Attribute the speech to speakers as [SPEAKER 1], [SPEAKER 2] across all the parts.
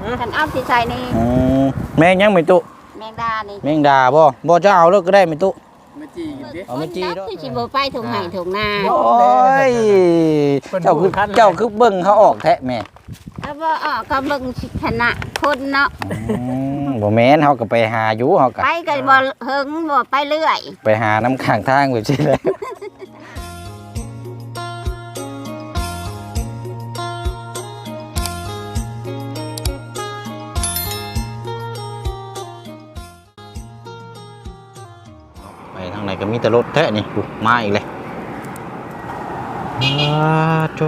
[SPEAKER 1] ฉันเอาสิใส่นี่
[SPEAKER 2] แมงยังไม่ตุ
[SPEAKER 1] แมงดานี่
[SPEAKER 2] แมงดาบ่จะเอาแล้วก็ได้ไม่ตุ
[SPEAKER 3] ไม่จีกินดิ
[SPEAKER 2] เอาไม่จีด้วย
[SPEAKER 1] คือสิบ่ไปถุงไห้ถุงนา
[SPEAKER 2] โอ้ยเจ้าคือเบิ่งเขาออกแท้แม่
[SPEAKER 1] ก็บ่ออกก็เบิ่งชนะคนเนาะ
[SPEAKER 2] บ่แม่นเฮาก็ไปหาอยู่เฮาก็
[SPEAKER 1] ไปก็บ่เฮิงบ่ไปเรื่อย
[SPEAKER 2] ไปหาน้ำข้างทางแบบนี้แหละไปทางไหนก็มีแต่รถแท้นี่มาอีกเลยโจ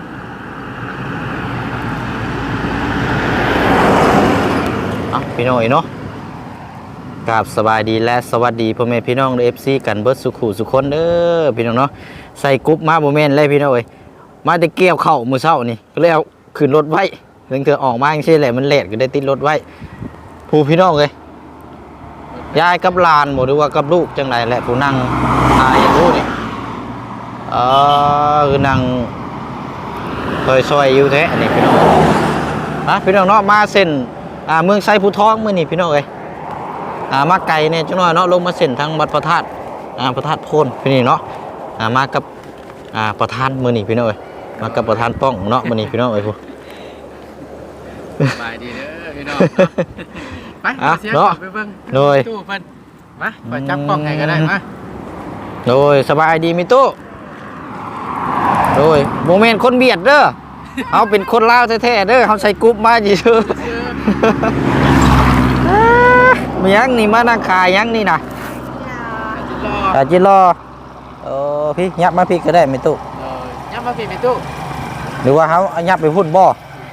[SPEAKER 2] พี่น้องเนาะกราบสบายดีและสวัสดีพ่อแม่พี่น้องเอฟซีกันเบิร์ดสุขุสุคนเด้อพี่น้องเนาะใส่กรุ๊ปมาโมเมนต์เลยพี่น้องเอ้ยมาจะเกี่ยวเข่ามือเช้านี่ก็เลยเอาขึ้นรถไว้เรื่องเธอออกมาอย่างเช่นแหละมันเลทก็ได้ติดรถไว้ผู้พี่น้องเลยยายกับหลานหมดหรือว่ากับลูกจังไรแหละผู้นั่งตายอย่างรู้นี่คือนั่งซอยอยู่แท้นี่พี่น้องพี่น้องเนาะมาเส้นเมืองไซภูทองเมื่อนี่พี่น้องเอ้ยมาไกลเนี่ยจังหน่อยเนาะลงมาเส้นทางวัดพระธาตุพระธาตุโพนพี่นี่เนาะมากับประธานเมื่อนี่พี่น้องเอ้ยมากับประธานป้องเนาะเมื่อนี่พี่น้องเอ้ยพวก
[SPEAKER 3] สบายดีเด้อพี่น้องไปเสียไปเบิ่งตู้เพิ่นมาไปจับกล้องไงก็ได้มา
[SPEAKER 2] โดยสบายดีมิตู้โดยโมเมนต์คนเบียดเด้อเอาเป็นคนลาวแท้ๆเด้อเขาใส่กรุ๊ปมาจีชื่อมียังนี่มานั่งขายยังนี่นะจิรอพี่ยับมาพี่ก็ได้ไม่ตู้
[SPEAKER 3] ยับมาพี่ไม่ตู้
[SPEAKER 2] หรือว่าเขายับไปพูดบ่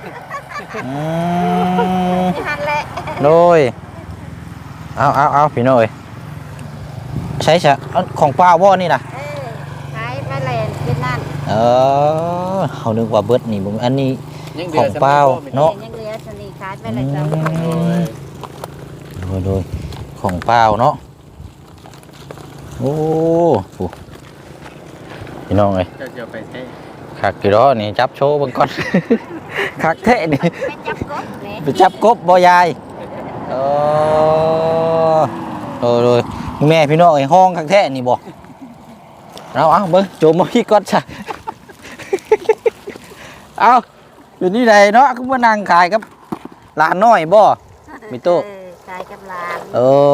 [SPEAKER 2] โดยเอาพี่น้อยใช่ของเปล่าบ่นี่นะ
[SPEAKER 1] ใช้ไปเลยเป็นนั่น
[SPEAKER 2] เขานึกว่าเบิดนี่อันนี้ของเปล่าเนาะ
[SPEAKER 1] ยังเหลือสนิทขายไปเลย
[SPEAKER 2] โดยของเปล่าเนาะโอ้พี่น้องเอ้ย
[SPEAKER 3] จะไปเท่
[SPEAKER 2] ขักกี่ร้อนี่จับโชว์บางก้อนขักเท่นี่ไปจับกบบ่ยายโดยแม่พี่น้องไอ้ห้องขักเท่นี่บ่เอาเบิ้งโจมมาพี่ก้อนจ้ะเอาอยู่นี่ไหนเนาะก็มานั่งขายกับหลานน้อยบ่มีตู้
[SPEAKER 1] ขายกับหลาน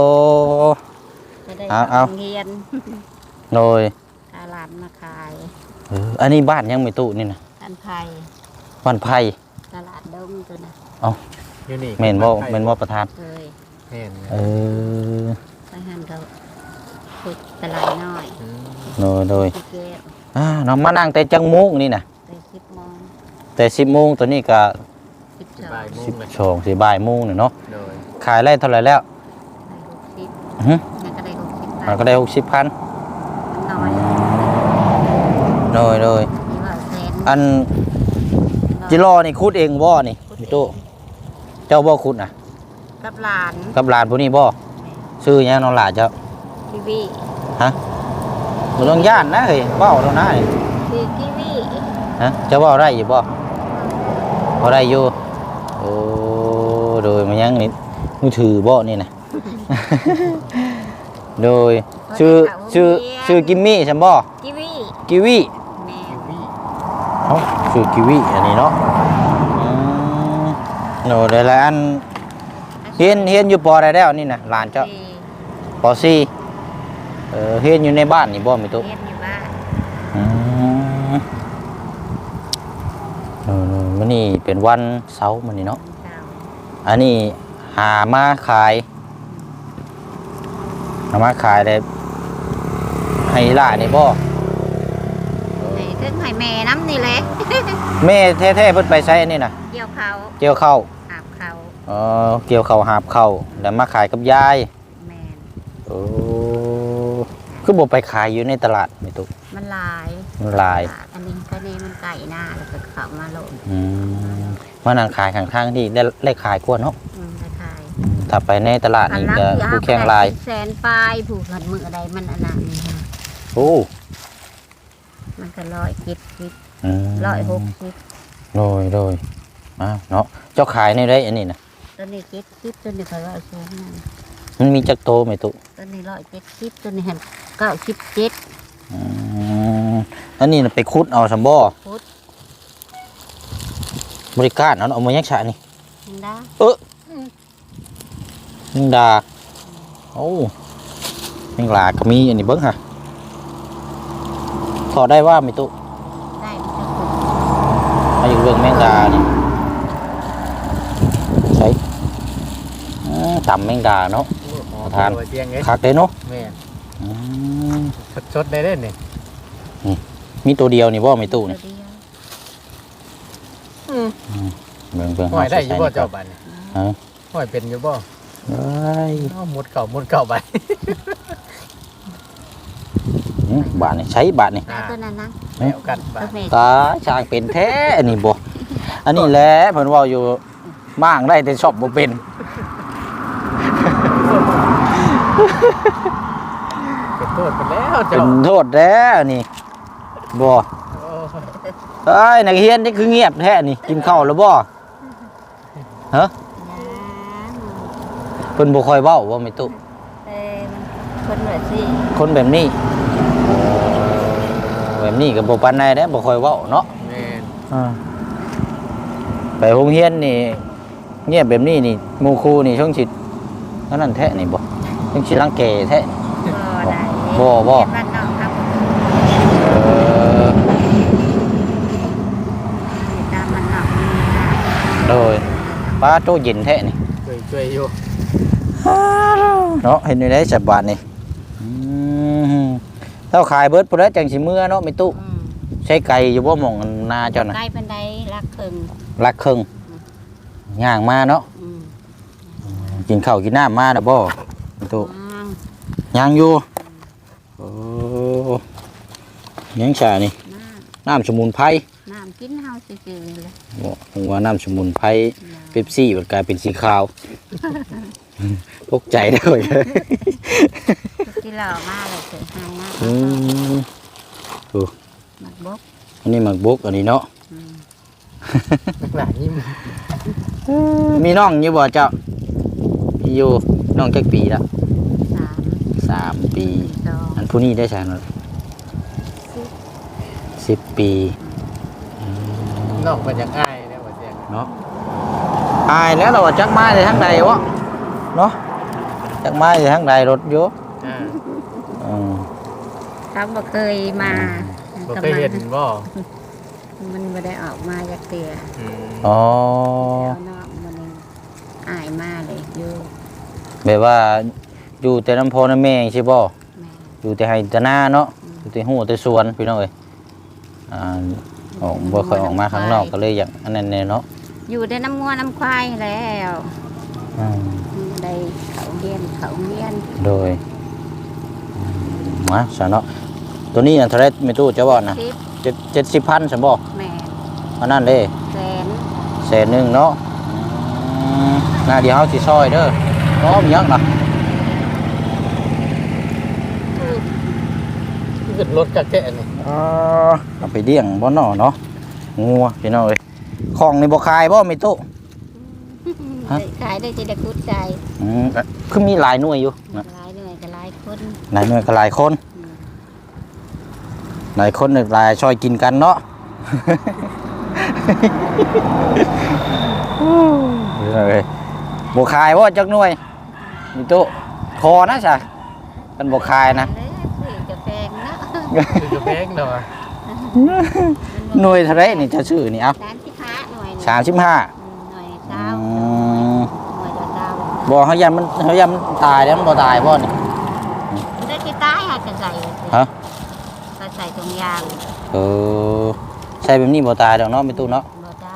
[SPEAKER 2] เอา
[SPEAKER 1] เงียน
[SPEAKER 2] โดย
[SPEAKER 1] หลานมาขาย
[SPEAKER 2] อันนี้บ้านยังมีตู้นี่นะ
[SPEAKER 1] บ้านไผ่
[SPEAKER 2] บ้านไผ่
[SPEAKER 1] ตลาดดงตัวนะ
[SPEAKER 2] เมนบ่ประธาน
[SPEAKER 1] ไปหันเราฝึกตลาดน้อย
[SPEAKER 2] โดยน้องมานั่งแต่จังมุ้งนี่นะแต่10 โมงตัวนี้ก็12 บ่ายโมงเนาะขายได้เท่าไหร่แล้วก็ได้60,000โดยอันจิรอนี่คุดเองบ่นี่พี่ตู้เจ้าบ่คุดนะ
[SPEAKER 1] กับห
[SPEAKER 2] ลานผู้นี้บ่ชื่อยังน้องหลานเจ้า
[SPEAKER 1] กีวี
[SPEAKER 2] ฮะมึงต้องย่านนะเฮ้ยเบ้าแล้วนะ
[SPEAKER 1] คือกีวี
[SPEAKER 2] ฮะเจ้าเบ้าได้อยู่บ่ได้อยู่โอ้โดยมันยังนี่มือถือบ่นี่นะโดยชื่อกิมมี่ใช่บ่กีวีชื่อกีวีอันนี้เนาะโน่ได้แล้วอันเฮียนอยู่ปอได้แล้วนี่นะหลานเจ้าปอซี่เฮียนอยู่ในบ้านนี่บ่มีตุ๊ก
[SPEAKER 1] เฮียนอยู่บ้าน
[SPEAKER 2] มันนี่เป็นวันเสาร์มันนี่เนาะอันนี้หามาขายได้ให้ล่านี่บ่
[SPEAKER 1] ถึงให้แม่น้ำนี่แหละ
[SPEAKER 2] แม่แท้ๆเพิ่นไปใช้อันนี้นะ
[SPEAKER 1] เกี่ยว
[SPEAKER 2] ข้าว
[SPEAKER 1] หาบข้าว
[SPEAKER 2] เกี่ยวข้าวหาบข้าวแล้วมาขายกับยาย
[SPEAKER 1] แม่
[SPEAKER 2] คือบ่ไปขายอยู่ในตลาดไม่ตุ๊ก
[SPEAKER 1] มันลายอันนี้ก็นี่มันไก่หน้าแล้วก็เข้ามาโลด
[SPEAKER 2] มานั่งขายข้างๆที่ได้ขายกว่าเนาะ
[SPEAKER 1] ได้ขาย
[SPEAKER 2] ถ้าไปในตลาดนี่จะผู้แข่งลาย
[SPEAKER 1] แสนปลายผูกหัดมืออะไรมันอันนั้นนี่ค่ะ
[SPEAKER 2] มัน
[SPEAKER 1] ก็170 160
[SPEAKER 2] โดยเนาะเจ้าขายในได้อันนี้นะ
[SPEAKER 1] ตัวนี้70ตัวนี้เขาว่าสูงนั่น
[SPEAKER 2] มันมีจักโตไหมตุ
[SPEAKER 1] ตัวนี้170ตัวนี้หัน97
[SPEAKER 2] อันนี้น่ะไปคุดเอาซัมบ่
[SPEAKER 1] พุทธ
[SPEAKER 2] บริการเอามายักษะนี่
[SPEAKER 1] มันดา
[SPEAKER 2] มิงดาโอ้มิงลาก็มีอันนี้เบิ่งค่ะถอดได้ว่าไม่ตุ
[SPEAKER 1] ได้มันจะพุทธ
[SPEAKER 2] มาอยู่เรื่องแมงดานี่ใช่ต่ำแมงดาเนาะ ทาน
[SPEAKER 3] เตียงไง
[SPEAKER 2] คักเลยเนาะ
[SPEAKER 3] แม่
[SPEAKER 2] อืม
[SPEAKER 3] สดๆได้เด้นี่
[SPEAKER 2] มีตัวเดียวนี่บ่ไม่ตุนี่
[SPEAKER 1] ตัวเดียว
[SPEAKER 2] เบิ่ง
[SPEAKER 3] ห้อยได้อยู่บ่เจ้าบัดนี่
[SPEAKER 2] ฮะ
[SPEAKER 3] ห้อยเป็นอยู่บ่
[SPEAKER 2] เอ้ย
[SPEAKER 3] เอาหมดเก่าไป
[SPEAKER 2] บาทนี่ใช้บาทนี่
[SPEAKER 1] ได้ตัวนั้นนะ
[SPEAKER 3] แล้วกันบา
[SPEAKER 1] ตัว
[SPEAKER 3] ด
[SPEAKER 1] แม่
[SPEAKER 2] ตาช่างเป็นแท้อันนี้บ่อันนี้แหละเพิ่นเว้าอยู่มั่างได้แต่ชอบบ่เป็น
[SPEAKER 3] เป็นโทษไปแล้ว
[SPEAKER 2] เป็
[SPEAKER 3] เจ้าน
[SPEAKER 2] โทษแล้วนี่บ่
[SPEAKER 3] โอ้
[SPEAKER 2] เอ้ยนักเรียนนี่คือเงียบแท้นี่กินข้าวแล้วบ่ฮะเพิ่นบ่ค่อยเว้าบ่แม่ตุ
[SPEAKER 1] คนเหนือสิ
[SPEAKER 2] คนแบบนี้แบบนี้ก็บ่ปานใดเด้บ่ค่อยเว้าเนาะ
[SPEAKER 3] แม่น
[SPEAKER 2] ไปโรงเรียนนี่เงียบแบบนี้นี่หมู่ครูนี่ช่วงสิอันนั้นแท้นี่บ่ช่วงสิรังแกแท้
[SPEAKER 1] ได้
[SPEAKER 2] บ่
[SPEAKER 1] เรียนบ้านนอกครับ
[SPEAKER 2] เออ
[SPEAKER 1] ตามมันนอก
[SPEAKER 2] โดยป้าโตเย็นแท้นี่
[SPEAKER 3] ช่วยอยู่
[SPEAKER 2] เนาะเห็นอยู่ได้ฉบับนี่เท่าขายเบิดพุ่นแล้วจังสิเมื่อเนาะไม่ตุใช้ไก่อยู่บ่หม่องนาเจ้าน่ะ
[SPEAKER 1] ใกล้เป็นไดรักเคิง
[SPEAKER 2] ลักครึ่งย่างมาเนาะกินข้าวกินน้ำมาแล้วบ่ไม่ตุย่างอยู่โอ้ยังชานี่น้ำสมุนไพร
[SPEAKER 1] น้ำกินเฮาซื่อๆเลย
[SPEAKER 2] บ่ผมว่าน้ำสมุนไพรเป๊ปซี่มันกลายเป็นสีขาวตกใจได้เลย
[SPEAKER 1] ที่เรามาเลยเคยหายนะ
[SPEAKER 2] อืม
[SPEAKER 1] หมักบก
[SPEAKER 2] อันนี้หมักบกอันนี้เนาะ
[SPEAKER 3] หลานยิ้ม
[SPEAKER 2] มีน้องอยู่บ่เจ้ามีอยู่น้องจักปีละ 3 ปี
[SPEAKER 1] 2
[SPEAKER 2] อันผู้นี้ได้ใช่ไหม10 ปี
[SPEAKER 3] นอกมาจากอ้ายเนี่ยว่าเตียง
[SPEAKER 2] เนาะอายแล้วเราจักมาในทางใดวะเนาะจักมาในทางใดรถอยู่
[SPEAKER 3] อ่า
[SPEAKER 2] อืม
[SPEAKER 1] เขาบ่เคยมา
[SPEAKER 3] บ่เคยเห็นบ่
[SPEAKER 1] มันไม่ได้ออกมาจากเตีย
[SPEAKER 2] อ๋อ
[SPEAKER 1] แล้วนอกมันอายมาเลยอยู่
[SPEAKER 2] แบบว่าอยู่แต่น้ำพอน้ำแม่ใช่บ่
[SPEAKER 1] แม่
[SPEAKER 2] อยู่แต่ไห้แต่หน้าเนาะอยู่แต่หัวแต่สวนพี่น้องเอ้ยออกบ่ค่อยออกมาข้างนอกก็เลยอย่างอันนั้นแน่เนาะ
[SPEAKER 1] อยู่ได้น้ำงัวน้ำควายแล้ว
[SPEAKER 2] อืม
[SPEAKER 1] ได้เขาเรียน
[SPEAKER 2] โดยมาซะเนาะตัวนี้อันเท่าไรไม่ตู้จะบอกนะ 70,000ซั่นบ่
[SPEAKER 1] แม่
[SPEAKER 2] อันนั้นเด้
[SPEAKER 1] แสน
[SPEAKER 2] 100,000เนาะหน้าเดียวเฮาสิซอยเด้อเนาะมีหยังล่ะ
[SPEAKER 3] ขึ้นรถจากแกนี่
[SPEAKER 2] เอาไปเลี้ยงบ่เนาะเนาะงัวพี่น้องเอ้ยของนี่บ่ขายบ่ไม่ตู้ ฮะ
[SPEAKER 1] ขายได้จะได้กุดใจ
[SPEAKER 2] คือมีหลายหน่วยอยู่นะ
[SPEAKER 1] หลายหน่วยกับหลายคน
[SPEAKER 2] หลายหน่วยก็หลายคนหลายคนเนี่ยหลายช่วยกินกันเนาะ เลยบ่ขายบ่จักหน่วยมีตู้คอนะจ้ะกันบ่ขายนะ
[SPEAKER 1] ซื้อกาแฟงเนาะ
[SPEAKER 3] คือกระแพงเนาะ
[SPEAKER 2] หน่วยเท่าไรนี่จะชื่อนี่เอา
[SPEAKER 1] ร้านที่ค้าหน่วย
[SPEAKER 2] 35
[SPEAKER 1] หน่วยเช้าหน่วยเช้า
[SPEAKER 2] บ่เฮายันมันตายแล้วมันบ่ตายบ่นี่
[SPEAKER 1] ได้ที่ใต้หาจะใส่
[SPEAKER 2] ฮะ
[SPEAKER 1] ก็ใส่ตรงยาง
[SPEAKER 2] ใช่แบบนี้บ่ตายดอกเนาะมีตู้เนาะ
[SPEAKER 1] บ่ได้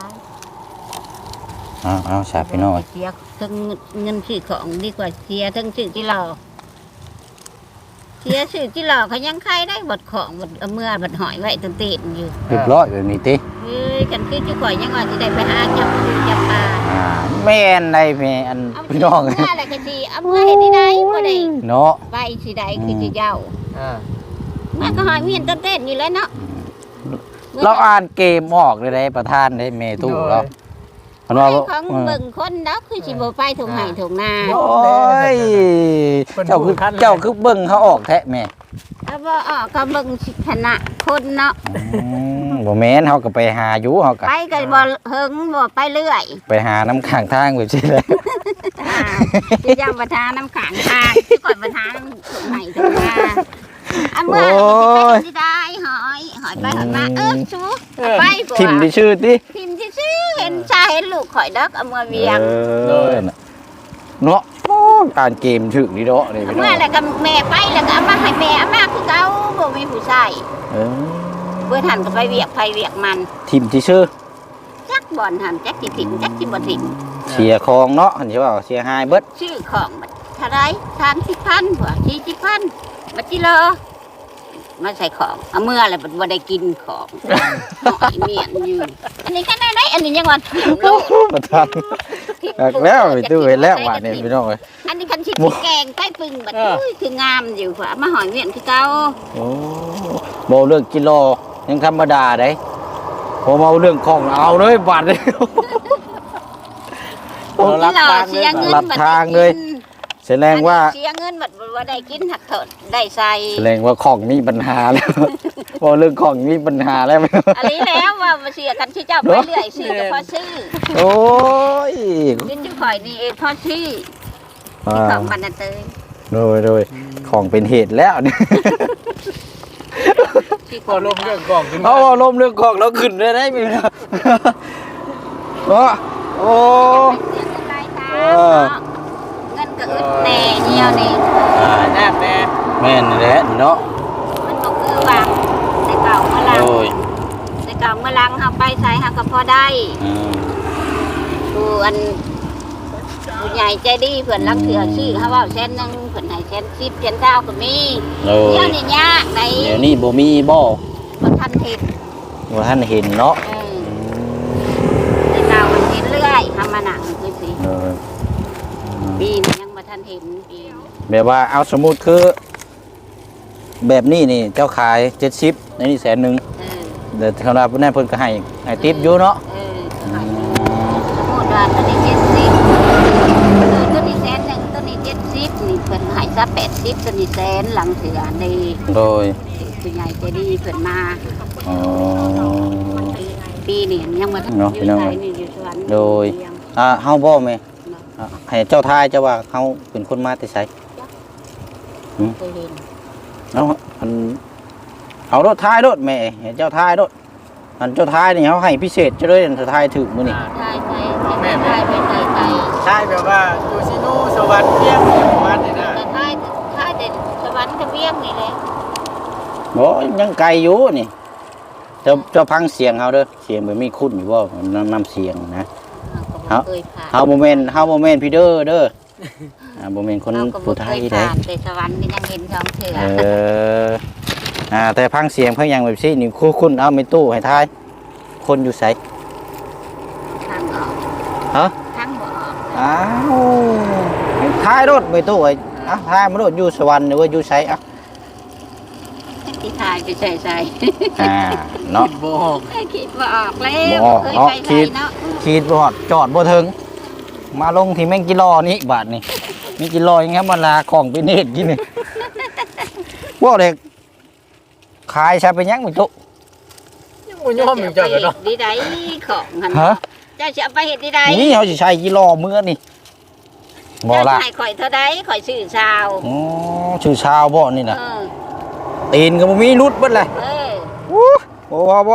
[SPEAKER 2] เอาสาพี่น้อง
[SPEAKER 1] เสียทั้งเงินซื้อของดีกว่าเสียทั้งซื้อที่เราเสียซื้อที่เราเขายังใครได้บดของบดเอาเมื่อบดหอยไว้ตั้งเตนอยู่
[SPEAKER 2] เรียบร้อยแบบนี้ติ
[SPEAKER 1] เฮ้ยกันคือจะข่อยยังว่าสิได้ไปหาจับปูจับปลา
[SPEAKER 2] แม่นได้แม่อัน
[SPEAKER 1] เอา
[SPEAKER 2] พี่น้อง
[SPEAKER 1] เมื่ออะไรก็สิเอาเมื่อเห็นที่ใดบ่ได้
[SPEAKER 2] เนาะ
[SPEAKER 1] ไปสิใดคือสิเย้า
[SPEAKER 3] อ่า
[SPEAKER 1] มันก็หอยมีเห็นต้นเต้นอยู่แล้วเนาะ
[SPEAKER 2] เราอ่านเกมออกเลยได้ประธานได้เมตู้เรานว่า
[SPEAKER 1] ของเบิ่งคนเนาะคือสิบ่ไปถุงไห้ถุงนา
[SPEAKER 2] โอ้ยเจ้าคือเบิ่งเขาออกแท้แม่
[SPEAKER 1] เอาบ่ออกก็เบิ่งสิคณะคนเนาะ
[SPEAKER 2] บ่แม่นเฮาก็ไปหาอยู่เฮาก็
[SPEAKER 1] ไปก็บ่เฮิงบ่ไปเรื่อย
[SPEAKER 2] ไปหาน้ำข้างทางแบบนี้แหละ
[SPEAKER 1] สิยังบ่ทาน้ำขังทางสิก่อนบ่ทาน้ำถุงไห้ถุงนาอันเมื่อก็สิไปได้หอยไปหอยมาชูไปบ่
[SPEAKER 2] ทิ่มที่ชื่อติ
[SPEAKER 1] ทิมที่ซื้อเห็นชาเห็นลูกข่อยดักเอามาเวียง
[SPEAKER 2] เนาะโอ้การเกมถึกนี่เนาะนี่พี่น้
[SPEAKER 1] เมื่
[SPEAKER 2] อ
[SPEAKER 1] อง แล้วก็แม่ไปแล้วก็เอามาให้แม่เอามาคือเก่าบ่มีผู้ชาย
[SPEAKER 2] เออ
[SPEAKER 1] เพื่อทันก็ไปเวียกไปเวียกมัน
[SPEAKER 2] ทิ่มที่ชื่อ
[SPEAKER 1] จักบ่อนหันจักสิถิ่มจักสิบ่ถิ่ม
[SPEAKER 2] เสียคองเนาะเห็นใช่ป่าวเสียหายเบิด
[SPEAKER 1] ชื่อของมันเท่าไร30,000บ่40,000บัดจิเลอมาใส่ของเอาเมื่อแล้วบ่ได้กินของหอยเมียนอยู่อันนี้แค่ไหนอันนี้ยังว่าถิ่มโลก
[SPEAKER 2] ประทันแล้วไปตู้เห็นแล้วว่านี่พี่น้องเอ้ย
[SPEAKER 1] อันนี้คันสิแกงใต้ปึงบัดอุ้ยคืองามอยู่กว่ามาหอยเมียนคือเก่า
[SPEAKER 2] โอ้บ่เรื่องกิโลยังธรรมดาได้พอมาเรื่องของเอาเลยบาดเลย
[SPEAKER 1] ที่เราเสียเงิน
[SPEAKER 2] ลัดทางเลย แสดงว่า
[SPEAKER 1] เสียเงินบัดว่าได้กินหักเถิดได้ใส่
[SPEAKER 2] แสดงว่าของมีปัญหาแล้ว พอเรื่องของมีปัญหาแล้ว
[SPEAKER 1] อันนี้แล้วว่ามาเสียกันที่เจ้าไปเรื่อยซื้อก็พอซื้อ
[SPEAKER 2] โอ้ย
[SPEAKER 1] กินที่ข่อยนี่เองพอซื้อที่ของบันนาเตย
[SPEAKER 2] โดยของเป็นเหตุแล้วเนี่ย
[SPEAKER 1] ที่
[SPEAKER 3] พอลมเรื่องกล่องขึ้น
[SPEAKER 2] เอาลมเรื่องของเราขึ้นได้ไหมพี่น้องโอ้โอ้
[SPEAKER 1] เสียเงินรายทางเนาะเงินก็อึดแน่เดียวนี่
[SPEAKER 3] แน่แน่
[SPEAKER 2] แม่นแหละเนาะ
[SPEAKER 1] มันก็คือว่าแต่เก่าเมื่อลัง
[SPEAKER 2] โอ้ย
[SPEAKER 1] แต่เก่าเมื่อลังเฮาไปใส่เฮาก็พอได้ ผู้อันผู้ใหญ่ใจดีเพื่อนรักเถื่อชื่อเขาว่า100,000เพื่อนให้110,000 1,000ก็มี
[SPEAKER 2] โอ้
[SPEAKER 1] เดี๋ยวย นี้ยากใน
[SPEAKER 2] เดี๋ยวนี้บ่มีบ่
[SPEAKER 1] บ่ทันเห็น
[SPEAKER 2] ว่าท่านเห็นเนาะ
[SPEAKER 1] แต่เก่ามันเห็นเรื่อยทำมาหนังคือสิ
[SPEAKER 2] เออ
[SPEAKER 1] ปีนี้ยังบ่ทันเห็นปีนี้
[SPEAKER 2] แบบว่าเอาสมมุติคือ แบบนี้นี่เจ้าขาย70ในนี่100,000 เดี๋ยวคณะผู้นั้นเพิ่นก็ให้ติปอยู่เนาะ
[SPEAKER 1] ขายสมมุติว่าตัวนี้70ตัวนี้100,000ตัวนี้70นี่เพิ่นให้ซะ80ตัวนี้100,000หลังเสือใน
[SPEAKER 2] โดย
[SPEAKER 1] ผู้ใหญ่ใจดีเพิ่นมา
[SPEAKER 2] อ๋อ
[SPEAKER 1] ปีนี้ยังบ่ทัน
[SPEAKER 2] เนาะ
[SPEAKER 1] อ
[SPEAKER 2] พี่
[SPEAKER 1] ยู่
[SPEAKER 2] น้อง
[SPEAKER 1] ไสนี่อยู่สวรรค์
[SPEAKER 2] โดย เฮาบ่แม่ให้เจ้าทายเจ้าว่าเฮาเป็นคนมาแต่ไส
[SPEAKER 1] เคยเห็น
[SPEAKER 2] เอารถท้ายรถแม่ให้เจ้าท้ายรถอันเจ้าท้ายนี่เฮาให้พิเศษจะเลยถ้าท้ายถึกมื้อนี่
[SPEAKER 1] ใช่ไปไทย
[SPEAKER 3] ใช่แบบว่าอยู่ซิโนสวรรค์เที่ยงประมาณนี้นะ
[SPEAKER 1] แต่ไทยเด่นสวรรค์ทะเบียงนี่เลย
[SPEAKER 2] บ่ยังไกลอยู่นี่เจ้าฟังเสียงเฮาเด้อเสียงบ่มีคุ้นอยู่บ่นำเสียงนะ
[SPEAKER 1] เคยผ่าน
[SPEAKER 2] เฮาบ่แม่นพี่เด้อบ่แม่นคนผู้ไทย
[SPEAKER 1] เด้
[SPEAKER 2] เด้
[SPEAKER 1] แต่สวรรค์ก็ยังเห็นสองเถื่อ
[SPEAKER 2] แต่พังเสียงเพิ่นยังแบบซี่นี่คุ้นเอาไม่ตู้ให้ทายคนอยู่ไส
[SPEAKER 1] ทางออก
[SPEAKER 2] ฮะ
[SPEAKER 1] ทางบ่ออก
[SPEAKER 2] อ้าวให้ทายรถไม่ตู้ไอ้ทายมันรถอยู่สวรรค์หรือว่าอยู่ไส
[SPEAKER 1] ที่ไทยไปใส่
[SPEAKER 2] เนาะ
[SPEAKER 3] โบก
[SPEAKER 1] คิดว่าออกแล้ว
[SPEAKER 2] บ่ออก
[SPEAKER 1] เคย
[SPEAKER 2] เนาะ
[SPEAKER 1] ไป
[SPEAKER 2] คิด
[SPEAKER 1] เนาะ
[SPEAKER 2] ขีดบ่ฮอดจอดบ่ถึงมาลงที่แม่งกิโลนี่บาทนี่มีกิโลยังครับมันลาของไปเนตรกินนี่บ่เด็กขายซะเป็นหยังไม่ตู้
[SPEAKER 3] ยังบ่ยอมอยู่จังเนาะ
[SPEAKER 1] ดีใดของหัน
[SPEAKER 2] ฮะ
[SPEAKER 1] เจ้าจะเอาไปเฮ็ดดีใด
[SPEAKER 2] นี่เขาสิใช้กิโลมื้อนี่บ่
[SPEAKER 1] เจ้า
[SPEAKER 2] ล่ะ
[SPEAKER 1] ให้ข่อยเท่าใดข่อยซื้อชาว
[SPEAKER 2] อ๋อชื่อชาวบ่นี่น่ะ
[SPEAKER 1] เออ
[SPEAKER 2] ตีนก็บ่มีรุดเบิดเลย
[SPEAKER 1] เออ
[SPEAKER 2] บ่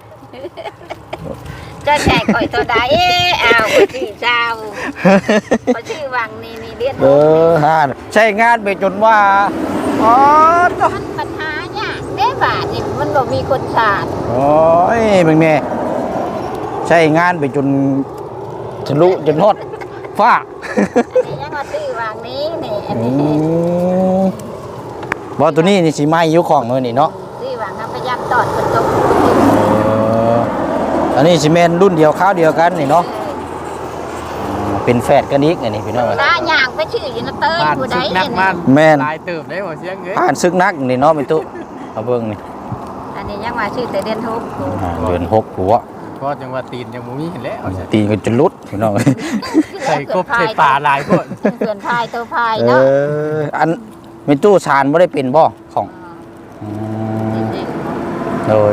[SPEAKER 1] เจ้าแจกข่อยเท่าใดเอาข่อยซื้อชาวข่อยซื้อวังนี่เรียน
[SPEAKER 2] ฮะใช้งานไปจนว่าอ๋อ
[SPEAKER 1] มันปัญหาเนี่ยเด้บาทนี่มันบ่มีคนสาด
[SPEAKER 2] โอ้ยมึงแม่ใช้งานไปจนทะลุจนฮอดฟ้า
[SPEAKER 1] อันนี้ยังมาซื้อวางนี้นี่อันนี้
[SPEAKER 2] บ่ตัวนี้นี่สิไหม้อยู่ของมื้อนี่เนาะ
[SPEAKER 1] ซื้อวางน้ำพยายามตอดกระจก
[SPEAKER 2] อันนี้สิแม่นรุ่นเดียวคราวเดียวกันนี่เนาะเป็นแฝดกันอีกอันนี้พี่น้อง
[SPEAKER 1] ตาย่างไปชื่ออยู่นะเต้ย
[SPEAKER 3] บ้าน
[SPEAKER 1] ผู้ใด
[SPEAKER 3] สุกนัก
[SPEAKER 1] เห็น
[SPEAKER 3] มัน
[SPEAKER 2] แม่น
[SPEAKER 3] ลายเติบได้บ่เสียงเอ้ย
[SPEAKER 2] อ่านซึกนักนี่เนาะเป็นตุเอาเบิ่งนี่
[SPEAKER 1] อันนี้ยังมาชื่อแต่เดือนทุก
[SPEAKER 2] เดือน6หัว
[SPEAKER 3] พอบ่จังว่าตีนยังบ่มีเห็นแล้ว
[SPEAKER 2] ตีกันจนลุดพี่น้อง
[SPEAKER 3] ใส่กบใส่ปลาหลายพวก
[SPEAKER 1] เพื่อนพายตัวพายเนาะ
[SPEAKER 2] อันมีตู้ชานบ่ได้เป็นบ่ของโดย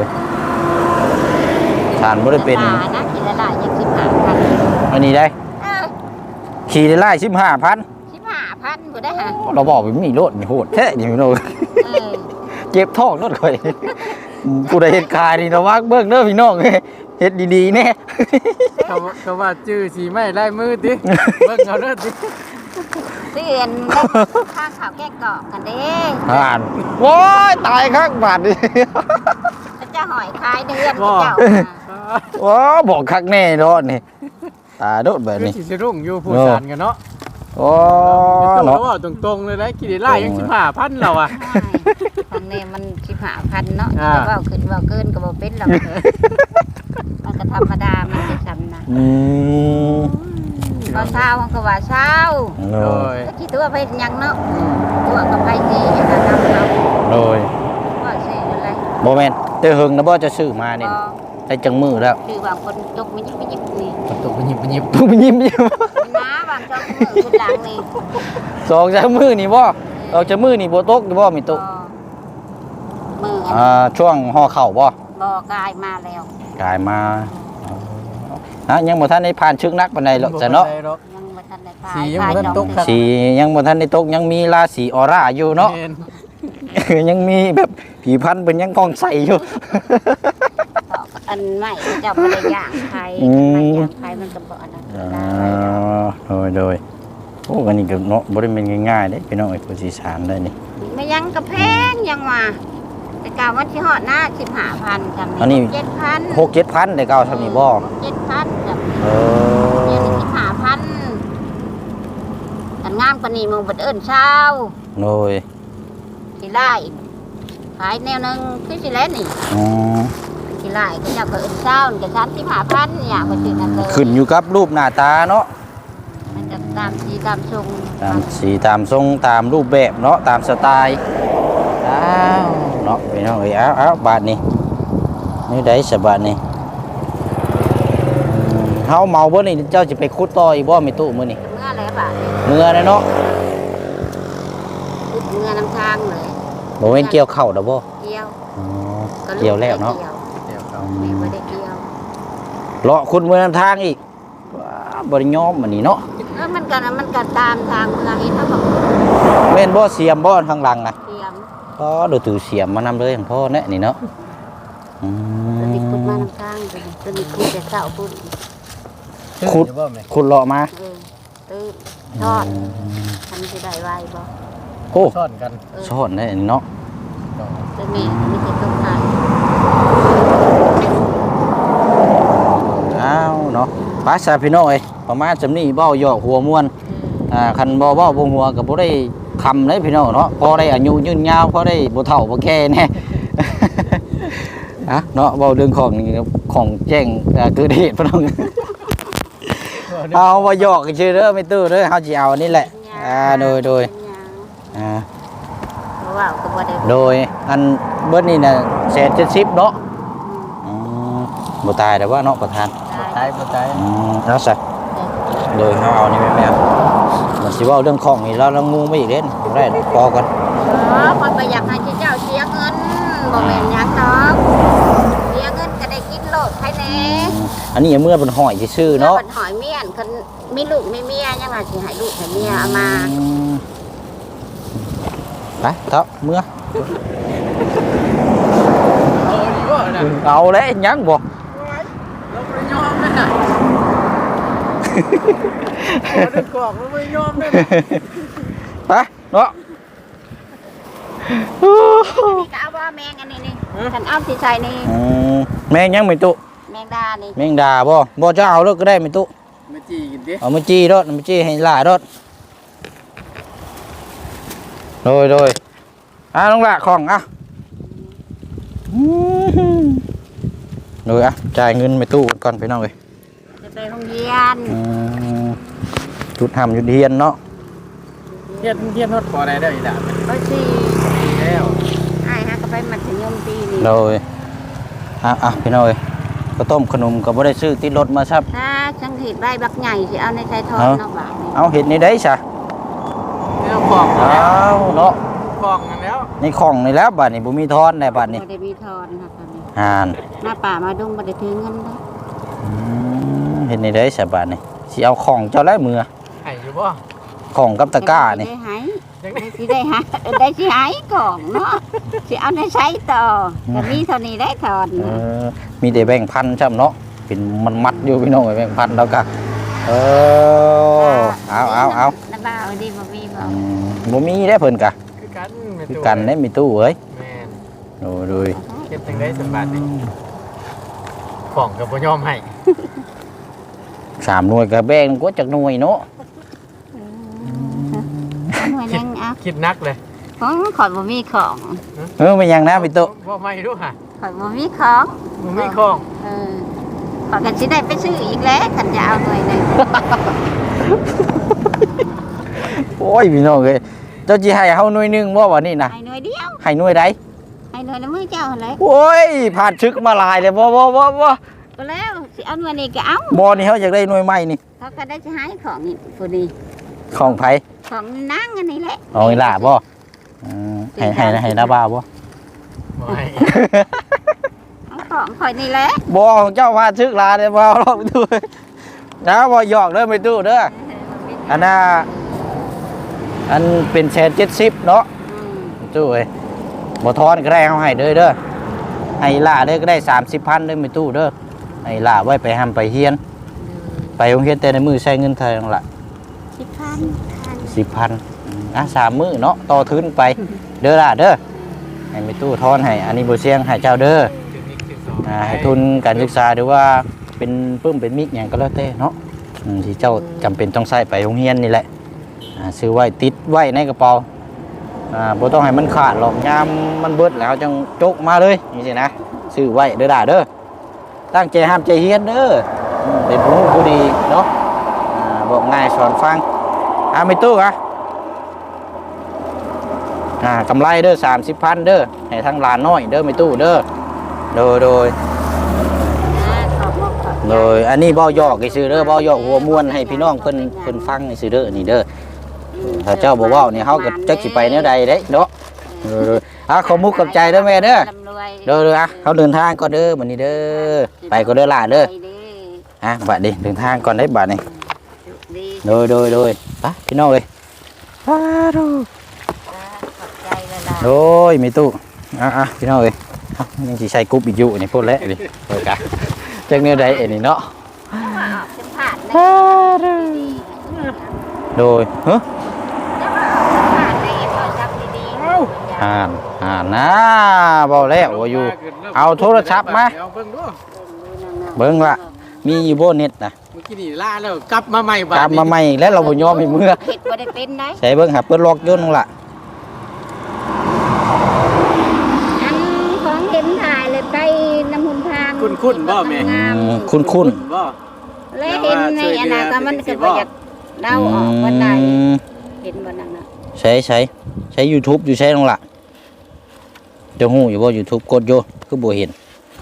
[SPEAKER 2] ชานบ่ได้เป็น
[SPEAKER 1] นะกินละลายยัง15,000
[SPEAKER 2] อันนี้ได้ขี่ได้ไล่15,000
[SPEAKER 1] 15,000บ่ได้ฮะ
[SPEAKER 2] เราบอกว่ามีรถมีโหดแท้นี่พี่น้องเจ็บท้องรถข่อยกูได้เฮ็ดคายนี่ระวังเบิ่งเด้อพี่น้องเฮ็ดดีๆแน่
[SPEAKER 3] เขาว่าชื่อสีไม้ลายมือติเบิ่งเอาเด้อติ
[SPEAKER 1] เตือนข้างข่าวแก้กอกกันเด้
[SPEAKER 2] อ่านโว้ยตายข้างบาดนี่
[SPEAKER 1] จะหอยคายเดือนเจ้า
[SPEAKER 2] ว้าบอกคักแน่เนาะนี่ตาโดดแบบนี้
[SPEAKER 3] สิสิรุ่งอยู่ผู้สานกันเนาะ
[SPEAKER 2] โอ้
[SPEAKER 3] เนาะ
[SPEAKER 2] เนาะ
[SPEAKER 3] ว่าตรงๆเลยนะกี่ได้ไล่ยัง15,000เราอ่ะ
[SPEAKER 1] ฟังเนี่ยมัน15,000เนาะจะว่าขึ้นว่าเกินก็บ่เป็นหรอกมันก็ธรรมดามันจะซ้ำนะ ก็เช้าก็ว่าเช้า
[SPEAKER 3] โดย
[SPEAKER 1] ก็คิดตัวไปยังเนาะตัวกับไปสิอย่างนั้นเรา
[SPEAKER 2] โดย
[SPEAKER 1] ว่าสิอะไร
[SPEAKER 2] บ่แม่นเตอหึงนะบ่จะซื้อมานี่ได้จังมือแล้ว
[SPEAKER 1] คือบางคนจกมันยิบนี่
[SPEAKER 3] ตกไปหยิบ
[SPEAKER 2] ตุ้มยิ้ม
[SPEAKER 1] น้าบางจกมือคุณหลังนี่
[SPEAKER 2] สองจากมือนี่บ่ออกจากมือนี่บ่ตกบ่มีตก
[SPEAKER 1] มือ
[SPEAKER 2] ช่วงห่อเข่าบ่
[SPEAKER 1] บ่กายมาแล้ว
[SPEAKER 2] กลายมานะยังบ่ทันได้ผ่านชึกนักปานใดหรอกจ้ะเนาะ
[SPEAKER 1] ยังบ่ทันได้พาย
[SPEAKER 3] สียังบ่ทันตกครับ
[SPEAKER 2] สียังบ่ทันได้ตกยังมีราศีออร่าอยู่เนาะ ยังมีแบบผีพันธุ์เป็นยังกองใสอยู่
[SPEAKER 1] อันใหม่เจ้าบ่ได้ย่างใครไม่ย่างใครมันก็บ่อันนั้น
[SPEAKER 2] โดยโอ้อันนี้ก็เนาะบ่ได้เป็นง่ายๆเด้พี่น้องไอ้ผู้สิสานได้นี่
[SPEAKER 1] ไม่ยังกระแพงยังว่าแต่กาวันที่ฮอดหน้า15,000กัน
[SPEAKER 2] อันนี้
[SPEAKER 1] 7,000
[SPEAKER 2] 6-7,000ได้เก่าซำนี้บ่
[SPEAKER 1] 7,000กับ
[SPEAKER 2] เอ
[SPEAKER 1] เดือน
[SPEAKER 2] อ
[SPEAKER 1] ละ15,000กันงามกว่านี้มึงบ่เอิ้นเช้า
[SPEAKER 2] โดย
[SPEAKER 1] สิไล่ขายแนวนึงคือสิแลนี่
[SPEAKER 2] อืม
[SPEAKER 1] สิไล่ก็เจ้าก็เอิ้นเช้านี่ก็35,000เนี่ยบ่สินั่นเลย
[SPEAKER 2] ขึ้นอยู่กับรูปหน้าตาเนาะ
[SPEAKER 1] มันจะตามสีตามทรง
[SPEAKER 2] ตามสีตามทรงตามรูปแบบเนาะตามสไตล์อ้าวเนาะพี่น้องเอ้ยเอาบาทนี้นี่ได้สบาทนี้เฮาเมาบ่นี่เจ้าสิไปขุดต่ออีกบ่มีตู้มื้อนี่
[SPEAKER 1] เมื่ออะไรบาด
[SPEAKER 2] เมื่อนะเนาะ
[SPEAKER 1] เมื่อน้ำทางเลย
[SPEAKER 2] บ่แม่นเกี่ยวข้าวดอกบ่
[SPEAKER 1] เกี่ยว
[SPEAKER 2] อ๋อเกี่ยวแล้วเนาะ
[SPEAKER 1] ไม่ได้เกี่ยว
[SPEAKER 2] เลาะขุดเมื่อนำทางอีกว้าบ่ได้ยอมมื้อนี้เนาะ
[SPEAKER 1] มันก็ตามทางเมื่อเห็นเขาบอก
[SPEAKER 2] แม่นบ่เสียมบ่ข้างหลังน่ะ
[SPEAKER 1] เกี่ยว
[SPEAKER 2] ก็ดูถือเสียมมานำเลยของพ่อแน่นี่เนาะอื
[SPEAKER 1] ตัวนี้ขุด
[SPEAKER 2] ม
[SPEAKER 1] มาน้ำทางตัวนี้ขุดแต่เช้าขุด
[SPEAKER 2] ขุดเลาะมา
[SPEAKER 1] ตื่นทอดทำสิได้ไวบ่
[SPEAKER 2] โอ้
[SPEAKER 3] ซ่อนกัน
[SPEAKER 2] ซ่อนได้นี่เนาะ
[SPEAKER 1] ตัวนี้มีแต่ต้นไม้
[SPEAKER 2] อ้าวเนาะปาซาพี่น้องเอ้ยประมาณจำนี้เบ้าหยอกหัวม่วนคันบ่เว้าบ่หัวก็บ่ได้คำเลยพี่น้องเนาะพอได้อายุยืนยาวพอได้บ่เฒ่าบ่แก่แน่ อะเนาะเว้าเรื่องของนี่ของแจ้งเกิดเหตุพี่น้อง เอาบ่หยอกชื่อเด้อไม่ตื้อเด้อเฮาสิเอาอันนี้แหละโดยอ่า
[SPEAKER 1] เพราะว่าก็บ่ได้
[SPEAKER 2] โดยอันเบิดนี่น่ะ170เนาะบ่ตายแต่ว่าเนาะประธาน
[SPEAKER 3] ตายบ่ตาย
[SPEAKER 2] แล้วซะโดยเฮาเอานี่แม่ๆมันสิเว้าเรื่องของนี่เรางูไม่อีกเด้นได้พอกัน
[SPEAKER 1] คนไปอยากให้เจ้าเสียเงินบ่แม่นหยังดอกเสียเงินก็ได้กินโลดใครแน่
[SPEAKER 2] อันนี้เมื่อเป็นหอยซื่อๆเนาะ
[SPEAKER 1] เพิ่นหอยเมียนคันมีลูกมีเมียยังว่าสิให้ลูกให้เมียเอามา
[SPEAKER 2] ไปเถอะเมื่อ
[SPEAKER 3] ดีบ่น่ะ
[SPEAKER 2] เอาเลยยังบ่
[SPEAKER 3] เราบ่ได้ยอมเลยน่ะโอ้ได้กอกเราบ่ได้ยอมเลยน่ะ
[SPEAKER 2] ไปเนาะ
[SPEAKER 1] นี่ก็เอาบ่แมงอันนี้นี่ฉันเอาสิใส่นี่
[SPEAKER 2] แมงยังไม่ตุ
[SPEAKER 1] แมงดานี่
[SPEAKER 2] แมงดาบ่จะเอาแล้วก็ได้ไม่ตุ
[SPEAKER 3] มาจี้กินดิ
[SPEAKER 2] เอามาจี้รถมาจี้ให้หลายรถโดยน้องละของโดยจ่ายเงินไปตู้ก่อนไปน้องเลย
[SPEAKER 1] จะไปโรงเรียน
[SPEAKER 2] จุดทำจุดเฮียนเนาะ
[SPEAKER 3] เฮียนฮอดพอได้เด้ออีหล่ะ
[SPEAKER 1] ก็สิ
[SPEAKER 3] แล้ว
[SPEAKER 1] อ้ายฮะก็ไปมัธยมปีนี้
[SPEAKER 2] โดยพี่น้องเลยข้าวต้มขนมก็บ่ได้ซื้อติดรถมาครับ
[SPEAKER 1] ถ้าจังเห็ดใบบักใหญ่สิเอาในใจทองเนาะบาทนี่
[SPEAKER 2] เอาเห็ดในได้ซะ
[SPEAKER 3] นี่เราของ
[SPEAKER 2] เอาเนาะ
[SPEAKER 3] ของกันแล้ว
[SPEAKER 2] ในของนี่แล้วบัดนี้บ่มีทอนได้บัดนี้
[SPEAKER 1] บ่ได้มีทอนค่ะตอนนี้
[SPEAKER 2] อ่าน
[SPEAKER 1] หน้าป่ามาดุงบ่ได้ถือเงินเลย
[SPEAKER 2] เห็ดในได้ซะบัดนี้สิเอาของเจ้าแล้วมือ
[SPEAKER 3] ไห้อยู่บ่
[SPEAKER 2] ของกับตะกร้านี่
[SPEAKER 1] ได้หายสิได้หายได้สิหายของเนาะสิเอาในใช้ต่อก็มีเท่านี้ได้ทอน
[SPEAKER 2] มีแต่แบ่งพันจ้ำเนาะเป็นมันมัดอยู่พี่น้องไอ้แบ่งพันแล้วก็เอา
[SPEAKER 1] น้าบ่าวดีบ่มีบ่
[SPEAKER 2] บ่มีได้เพิ่นกะ
[SPEAKER 3] คือกัน
[SPEAKER 2] คือกันได้มีตู้เอ้ย
[SPEAKER 3] แม่น
[SPEAKER 2] โอ้ดู
[SPEAKER 3] เก็บจังได้สมบัตินี่ของก็บ่ยอมให้
[SPEAKER 2] 3 หน่วยก็แบ่งกว่าจักหน่วยเนาะ
[SPEAKER 1] หน่วยยังเอา
[SPEAKER 3] คิดนักเลย
[SPEAKER 1] ของขอยบ่มีของ
[SPEAKER 2] มันยังนะพี่ตู้
[SPEAKER 3] บ่ไม่รู้ฮะ
[SPEAKER 1] ขอยบ่มีของ
[SPEAKER 3] บ่มีของ
[SPEAKER 1] ขอยก็สิได้ไปซื้ออีกแล้วคันจะเอาหน่วยหนึง
[SPEAKER 2] โอ้ยพี่น้องเอ้ยเจ้าสิให้เฮาหน่วยหนึงบ่วันนี้นะ
[SPEAKER 1] ให้หน่วยเดียว
[SPEAKER 2] ให้หน่วยใด
[SPEAKER 1] ให้หน่วยละมือเจ้าหั่นแหละ
[SPEAKER 2] โอ้ยผ่านชึกมาหลายเลยบ่
[SPEAKER 1] ก็แล้วสิเอาหน่วยนี้ก็เอา
[SPEAKER 2] บ่นี่เฮาอยากได้หน่วยใหม่นี่
[SPEAKER 1] เขาก็ได้สิหายของนี่ผู้นี้
[SPEAKER 2] ของไผ
[SPEAKER 1] ของนางอันนี้แหละ
[SPEAKER 2] เอาอีหล่าบ่ให้ดาบ้าบ่
[SPEAKER 3] บ่ให้
[SPEAKER 1] เอาของข่อยนี่แหละ
[SPEAKER 2] บ่ของเจ้าผ่านชึกหลายเลยบ่เอาลองไปดูนะบ่หยอกเด้อไปตู้เด้ออันน่ะอันเป็น170เนาะ ตู้เอ้ยบ่ทอนก็ได้เอาให้เด้อให้ล่าเด้อก็ได้30,000เด้อมีตู้เด้อให้ล่าไว้ไปหำไปเฮียน ไปโรงเรียนแต่ในมือใช้เงินเท่านั้นล่ะ 10,000อ่ะ3มื้อเนาะต่อทุนไปเด้อล่ะเด้อให้มีตู้ทอนให้อันนี้บ่เสี่ยงให้เจ้าเด้อ
[SPEAKER 3] ถึงนี่ถึงสอง
[SPEAKER 2] ให้ทุนการศึกษาหรือว่าเป็นปึ้มเป็นมิกหยังก็แล้วแต่เนาะที่เจ้าจำเป็นต้องใช้ไปโรงเรียนนี่แหละซื้อไว้ติดไว้ในกระเป๋าบ่ต้องให้มันขาดหรอกยามมันเบิดแล้วจังจกมาเลยนี่สินะซื้อไว้เด้อด่าเด้อตั้งใจห้ามใจเฮียนเด้อเป็นผู้รู้ผู้ดีเนาะบอกง่ายสอนฟังไม่ตู้อะกำไรเด้อ30,000เด้อให้ทั้งหลานน้อยเด้อไม่ตู้เด้อโดยอันนี้เบ้าหยอกไอ้ซื้อเด้อเบ้าหยอกหัวม้วนให้พี่น้องเพิ่นฟังไอ้ซื้อเด้อนี่เด้อถ้าเจ้าบ่เว้านี่เฮาก็จักสิไปแนวใดเด้เนาะขอมุกกับใจเด้อแม่เด้อเด้อเฮาเดินทางก่อนเด้อบัดนี้เด้อไปก็เด้อล่ะเด้อบัดนี้เดินทางก่อนได้บัดนี้โดยไปพี่น้องเอ้ยโดยมีตู้พี่น้องเอ้ยยังสิใส่กรุ๊ปอีกอยู่นี่พูดแล้วนี่โดยกันจักแนวใดนี่เนาะโดยนะบอกแล้วว่าอยู่เอาโทรศัพท์มา
[SPEAKER 3] เบิ่งดู
[SPEAKER 2] เบิ่งละมีอยู่บนเน็ตนะ
[SPEAKER 3] เมื่อกี้นี่ล่าแล้วกลับมาใหม่บัด
[SPEAKER 2] กลับมาใหม่แล้วเราบ่ยอมให้เมื่อ
[SPEAKER 1] เฮ็ดบ่ได้เป็นได้
[SPEAKER 2] ใส่เบิ่งหาเปิดล็อกยุ่นล่ะ
[SPEAKER 1] อันของเห็นถ่ายเลยไปน้ำหุ่นทาง
[SPEAKER 3] คุ้นบ่แม่
[SPEAKER 2] คุ้น
[SPEAKER 3] บ่
[SPEAKER 1] แล้วเห็นในอนาคตมันก็บ่อยากเดาออกว่าใดเห็นบ่นั่นน่ะ
[SPEAKER 2] ใช้ YouTube อยู่ใช้น้องล่ะจะฮู้อยู่บ่ YouTube กดอยู่คือบ่เห็น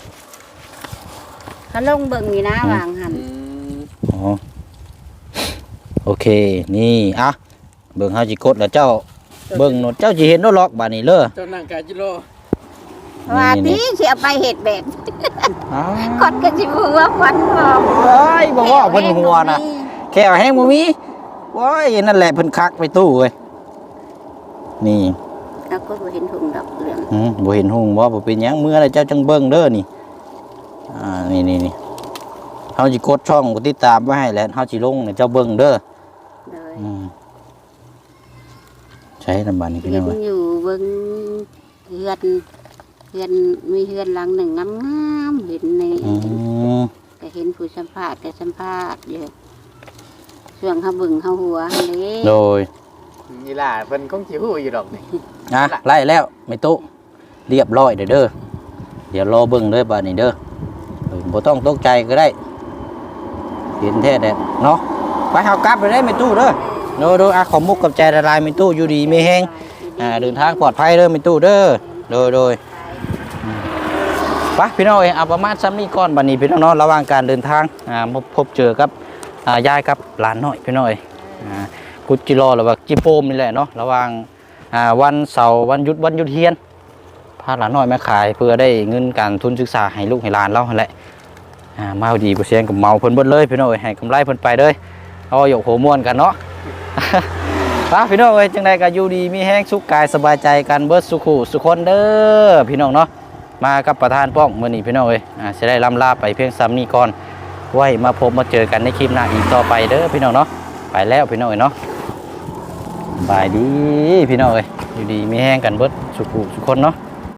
[SPEAKER 1] เขาลงเบิ่งนี่นะวางหัน
[SPEAKER 2] อ๋อโอเคนี่เบิ่งเฮาสิกดแล้วเจ้าเบิ่งโนดเจ้าสิเห็นโนดล็อกบาดนี้เด้อ
[SPEAKER 3] เจ้านั่งกาจิโล
[SPEAKER 1] ว่าที่สิเอาไปเฮ็ดแบบ
[SPEAKER 2] อ้าว
[SPEAKER 1] คนก็สิบ่ว่าฟันพร้อม
[SPEAKER 2] เอ้ยบ่ว่าเพิ่นหัวน่ะแค่แห้งบ่มีโอ้ยนั่นแหละเพิ่นคักไปตู้เว้ยนี่
[SPEAKER 1] แล้วก็บ่เห็นถุงดอกเหลือง
[SPEAKER 2] บ่เห็นหุ่งบ่เป็นหยังเมื่อไรเจ้าจังเบิ่งเด้อนี่นี่เฮาสิกดช่องกดติดตามไว้ให้แล้วเฮาสิลงให้เจ้าเบิ่งเด้อ
[SPEAKER 1] เลย
[SPEAKER 2] ใช้ลำบากนี่พี่
[SPEAKER 1] เห็
[SPEAKER 2] น้อน ง
[SPEAKER 1] อยู่เบิ่งเฮือนมีเฮือนหลังหนึ่งงามๆเห็นในก็เห็นผู้สัมภาษณ์ก็สัมภาษณ์อยู่ช่วงเฮาเบิ่งเฮาหัวหั่นเด้
[SPEAKER 2] โดย
[SPEAKER 3] นี่ล่ะเพิ่นคงสิฮู้อยู่ดอกนี่
[SPEAKER 2] ไล่แล้วไม่ตุเรียบร้อยเด้อเดี๋ยวรอเบิ่งเด้อบัดนี้เด้อบ่ต้องตกใจก็ได้เห็นแท้แท้เนาะไปเฮากลับไปได้ไม่ตู้เด้อโดยขอมุกกับใจละลายไม่ตู้อยู่ดีมีแฮงเดินทางปลอดภัยเด้อไม่ตู้เด้อโดยไปปะพี่น้องเอ้ยเอาประมาณซ้ำนี้ก่อนบัดนี้พี่น้องเนาะระหว่างการเดินทางพบเจอกับยายกับหลานน้อยพี่น้องเอ้ยกุจิรอหรือว่าจิโปมนี่แหละเนาะระหว่างวันเสาร์วันหยุดเฮียนพาหลานน้อยมาขายเพื่อได้เงินการทุนศึกษาให้ลูกให้หลานเราหั่นแหละมาดีบ่เสียงกับเมาเพิ่นเบิดเลยพี่น้องเอ้ยให้กำไรเพิ่นไปเลยเอาหยกโหม่วนกันเนาะ พี่น้องเอ้ยจังใดก็อยู่ดีมีแห้งสุขกายสบายใจกันเบิดสุขุสุคนเด้อพี่น้องเนาะมากับประธานป้องมื้อนี้พี่น้องเอ้ยสิได้ล่ำลาไปเพียงซ้ำนี้ก่อนไว้มาพบมาเจอกันในคลิปหน้าอีกต่อไปเด้อพี่น้องเนาะไปแล้วพี่น้องเอ้ยเนาะบายดีพี่น้องเอ้ยอยู่ดีมีแห้งกันเบิดสุขุสุคนเนาะ